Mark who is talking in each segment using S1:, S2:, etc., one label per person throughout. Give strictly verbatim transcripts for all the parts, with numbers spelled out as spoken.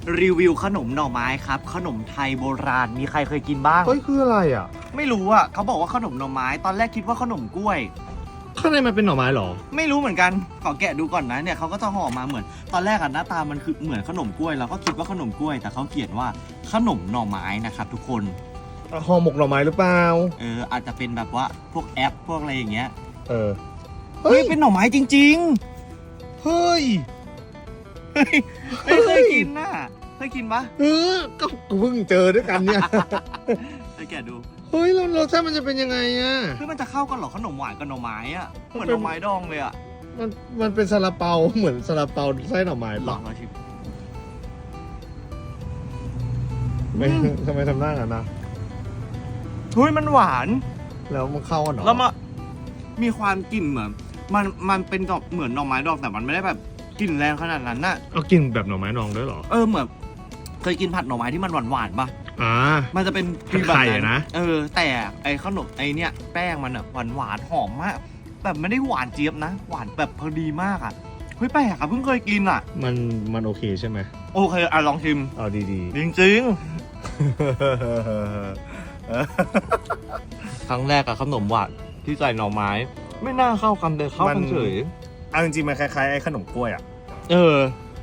S1: รีวิวขนมหน่อไม้ครับขนมไทยโบราณมีใครเคยกินบ้าง
S2: เฮ้ยคืออะไรอ่ะ
S1: ไม่รู้อ่ะเขาบอกว่าขนมหน่อไม้ตอนแรกคิดว่าขนมกล้วย
S2: ข้างในมันเป็นหน่อไม้หรอ
S1: ไม่รู้เหมือนกันขอแกะดูก่อนนะเนี่ยเขาก็จะห่อมาเหมือนตอนแรกอะหน้าตามันคือเหมือนขนมกล้วยเราก็คิดว่าขนมกล้วยแต่เขาเขียนว่าขนมหน่อไม้นะครับทุกคน
S2: ห่อหมกหน่อไม้หรือเปล่า
S1: เอออาจจะเป็นแบบว่าพวกแอปพวกอะไรอย่างเงี้ย
S2: เออ
S1: เฮ้ยเป็นหน่อไม้จริง
S2: เฮ้ย
S1: ๆเฮ้ยไม่เคยกินน่ะเคยกินปะ
S2: เออก็เพิ่งเจอด้วยกันเนี่ย
S1: ไปแกะดู
S2: เฮ้ยแล้วรสชาติมันจะเป็นยังไงอ่ะ
S1: คือมันจะเข้ากันเหรอขนมหวานกับหน่อไม้อะเหมือนหน่อไม้ดองเลยอะ
S2: มันมันเป็นซาลาเปาเหมือนซาลาเปาไส้หน่อไม้
S1: ล
S2: ปะ
S1: องมาชิม
S2: ไม่
S1: อืม
S2: ทำไมทำหน้ากันนะ
S1: เฮ้ยมันหวาน
S2: แล้วมันเข้ากันเหรอ
S1: แล้วมามีความกลิ่นเหมือนมันมันเป็นดอกเหมือนหน่อไม้ดองแต่มันไม่ได้แบบกลิ่นแรงขนาดนั้นน่ะ
S2: เอากินแบบหน่อไม้ดองด้วยเหรอ
S1: เออเหมือนเคยกินผัดหน่อไม้ที่มันหวานหวานๆป่ะ
S2: อ่า
S1: มันจะเป็น
S2: ผัดไข่อะนะ
S1: เออแต่ไอ้ขนมไอ้เนี่ยแป้งมันอะหวานหวานๆหอมมากแบบไม่ได้หวานเจี๊ยบนะ หวานแบบพอดีมากอะเฮ้ยแปลกอะเพิ่งเคยกินอะ
S2: มันมันโอเคใช่ไหม
S1: โอเคอะลองชิม
S2: เอาดี
S1: จริง
S2: ๆ
S1: ๆ ครั้งแรกอะขนมหวานที่ใส่หน่อไม้ ไม่น่าเข้ากันเลยเข้ากันเฉย
S2: เอาจริงๆมันคล้ายๆไอ้ขนมกล้วยอ่ะ
S1: เออ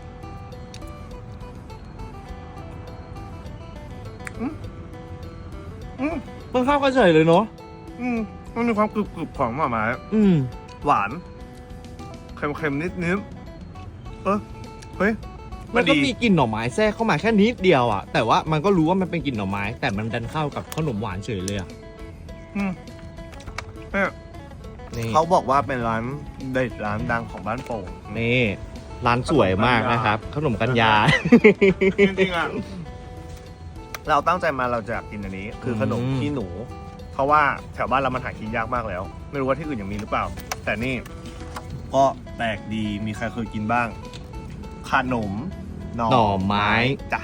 S1: อืมอืมมันเข้ากันเฉยเลยเนาะ
S2: อืมมันมีความกรึบๆของหน่อไม้
S1: อืม
S2: หวานเค็มๆนิดๆเออเฮ้ย
S1: มันก็
S2: ดี
S1: มีกลิ่นหน่อไม้แทรกเข้ามาแค่นิดเดียวอ่ะ แต่ว่ามันก็รู้ว่ามันเป็นกลิ่นหน่อไม้ แต่มันดันเข้ากับขนมหวานเฉยเลยอ่ะ
S2: อืมเนี่ย
S1: นี่
S2: เขาบอกว่าเป็นร้านเด็ดร้านดังของบ้านโป่ง
S1: นี่ร้านสวยมากนะครับ ขนมกัญญา
S2: จริงๆอ่ะเราตั้งใจมาเราจะอยากกินอันนี้ คือขนม
S1: อืม
S2: ขี้หนู เพราะว่าแถวบ้านเรามันหากินยากมากแล้ว ไม่รู้ว่าที่อื่นยังมีหรือเปล่า แต่นี่ก็แปลกดีมีใครเคยกินบ้าง ขนมหน่อ
S1: หน่อไม้
S2: จ้ะ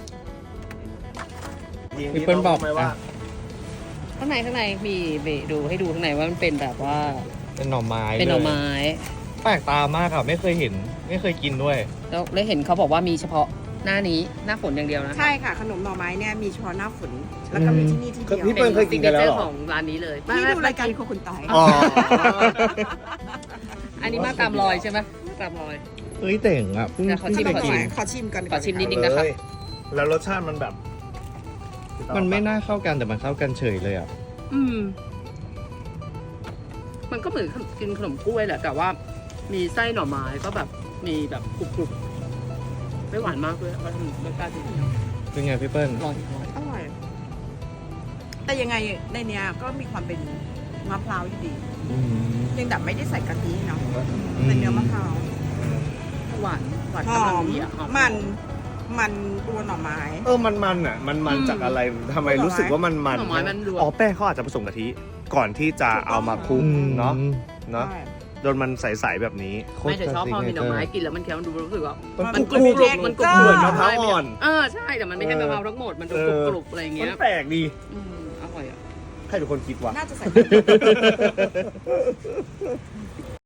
S1: พี่เปิ้ลบอก
S2: ไหมว่า
S3: ข้างในข้างในมีเบะดูให้ดูข้างในว่ามันเป็นแบบว่า
S1: เป็นหน่อไม้
S3: เป็นหน่อไม้
S1: แปลกตามากอ่ะ ไม่เคยเห็น ไม่เคยกินด้วย
S3: แล้วได้เห็นเขาบอกว่ามีเฉพาะหน้านี้หน้าฝนอย่างเดียวนะ
S4: ใช่ค่ะ ขนมหน่อไม้เนี่ยมีเฉพาะหน้าฝน แล้วก็มีที่นี่ที่เดียว
S2: พี่เปิ้ลเคยกินกันแล้วเหรอ
S3: ของร้านนี้เลย
S4: ที่ดูรายการโคคุณต่อย
S2: อ๋อ
S3: อันนี้มาตามรอยใช่ไหมมาตามรอย
S1: เฮ้ยเต่งอ่ะเพิ่ง
S3: เดี๋ยวขอ
S4: ข
S3: ชิม
S4: นมห
S3: ก่
S4: น่
S3: อ
S4: อน ไม้ขอชิมก่อน
S3: ขอชิมนิดนึงนะคะ
S2: แล้วรสชาติมันแบบ
S1: มันไม่น่าเข้ากันแต่มันเข้ากันเฉยเลยอ่ะ
S3: อืม มันก็เหมือนกินขนมกล้วยแหละแต่ว่ามีไส้หน่อไม้ก็แบบมีแบบกรุบๆไม่หวานมากด้วยก็ทำรสชาติดี
S1: เป็นไงพี่เปิ้ล
S3: อร่อยอร่อย
S4: อร่อย แต่ยังไงในเนี้ยก็มีความเป็นมะพร้าวอยู่ดี
S1: อืม
S4: เพียงแต่ไม่ได้ใส่กะทิเนาะเป็นเนื้อมะพร้าว
S3: หวานหวาน
S4: ห
S3: กำ
S4: อ
S3: ลัง
S4: ม
S3: ดีอ่ะหอ
S4: มันมันตัวหน่อไม้
S2: เออ มันมันอ่ะ มันมันจากอะไรทำไมรู้สึกว่ามันมัน
S3: หน่อไม้มันรวม
S2: อ๋อ แป้งเขาอาจจะผสมกะทิ ก่อนที่จะเอามาคลุกเนาะ เนาะ
S4: ใช่
S2: โดนมันใสๆแบบนี้
S3: ไม่แต่ชอบพอมีหน่อไม้กินแล้วมันเคี้ยวมันดูรู้สึกว่า
S2: มัน
S3: มัน
S2: ก
S3: ก
S2: รุ
S3: รุ
S2: บบ กรุบ
S3: มันกรุบ
S2: เหมือนมะพร้าวอ่อน
S3: เออใช่แต่มันไม่ใช่มะพร้าวทั้งหมดมันดูกรุบกรุบอะไรอย่าง
S2: มั
S3: เงี้
S2: น
S3: ย
S2: แปลกดี
S3: อืมอร่อยอ่ะ
S2: ใครเป็นคนคิดวะ
S4: น่าจะใส่